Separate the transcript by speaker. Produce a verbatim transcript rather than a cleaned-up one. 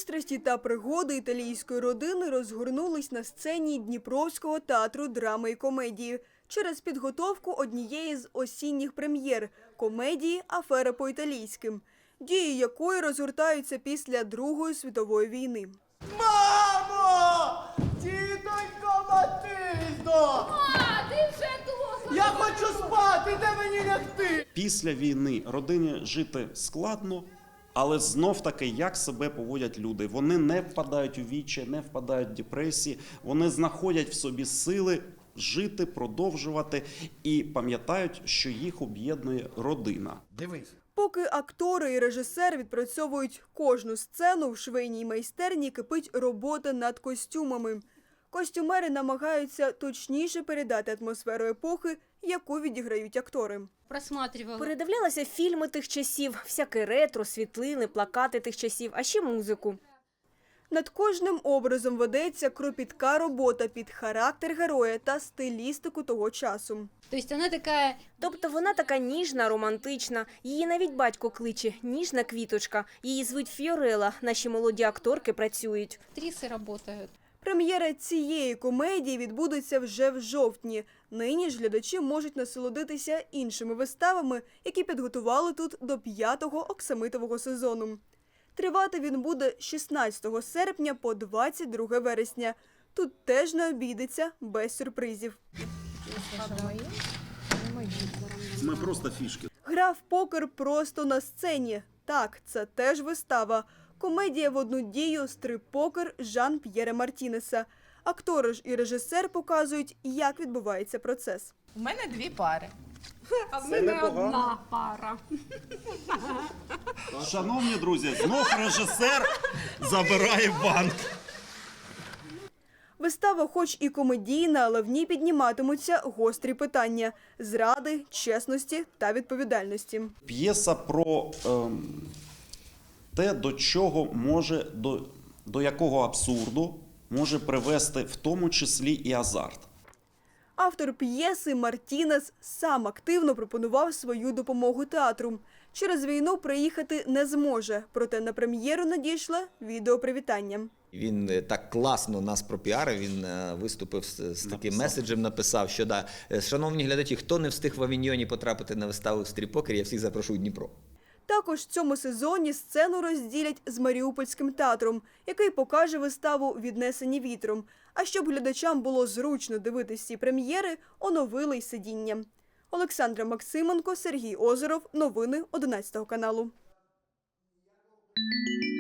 Speaker 1: Пристрасті та пригоди італійської родини розгорнулись на сцені Дніпровського театру драми і комедії через підготовку однієї з осінніх прем'єр – комедії «Афера по-італійським», дії якої розгортаються після Другої світової війни.
Speaker 2: Мамо! Тітонько Матильдо!
Speaker 3: А, ти вже тут!
Speaker 2: Я хочу спати, де мені лягти?
Speaker 4: Після війни родині жити складно, але знов-таки, як себе поводять люди. Вони не впадають у вічі, не впадають в депресії, вони знаходять в собі сили жити, продовжувати і пам'ятають, що їх об'єднує родина.
Speaker 2: Дивись.
Speaker 1: Поки актори і режисер відпрацьовують кожну сцену, в швейній майстерні кипить робота над костюмами. Костюмери намагаються точніше передати атмосферу епохи, яку відіграють актори.
Speaker 3: Просматривала.
Speaker 5: Передивлялася фільми тих часів, всяке ретро, світлини, плакати тих часів, а ще музику.
Speaker 1: Над кожним образом ведеться кропітка робота під характер героя та стилістику того часу.
Speaker 3: Тобто вона така...
Speaker 5: Тобто вона така ніжна, романтична. Її навіть батько кличе «ніжна квіточка». Її звуть Фіорела. Наші молоді акторки працюють.
Speaker 3: Актриси працюють.
Speaker 1: Прем'єра цієї комедії відбудеться вже в жовтні. Нині ж глядачі можуть насолодитися іншими виставами, які підготували тут до п'ятого оксамитового сезону. Тривати він буде з шістнадцятого серпня по двадцять друге вересня. Тут теж не обійдеться без сюрпризів.
Speaker 4: Ми просто фішки.
Speaker 1: Гра в покер просто на сцені. Так, це теж вистава. Комедія в одну дію «Стрип-покер» Жан-П'єра Мартінеса. Актори ж і режисер показують, як відбувається процес.
Speaker 6: У мене дві пари.
Speaker 3: А в мене одна пара.
Speaker 4: Шановні друзі, знов режисер забирає банк.
Speaker 1: Вистава хоч і комедійна, але в ній підніматимуться гострі питання – зради, чесності та відповідальності.
Speaker 4: П'єса про ем, те, до чого може, до, до якого абсурду може привести в тому числі і азарт.
Speaker 1: Автор п'єси Мартінес сам активно пропонував свою допомогу театру. Через війну приїхати не зможе, проте на прем'єру надійшло відеопривітання.
Speaker 7: Він так класно нас пропіарив, він виступив з, з таким написав. меседжем, написав, що да, шановні глядачі, хто не встиг в Авіньйоні потрапити на виставу «Стріп-покер», я всіх запрошую в Дніпро.
Speaker 1: Також в цьому сезоні сцену розділять з Маріупольським театром, який покаже виставу «Віднесені вітром». А щоб глядачам було зручно дивитись ці прем'єри, оновили й сидіння. Олександра Максименко, Сергій Озеров. Новини одинадцятого каналу.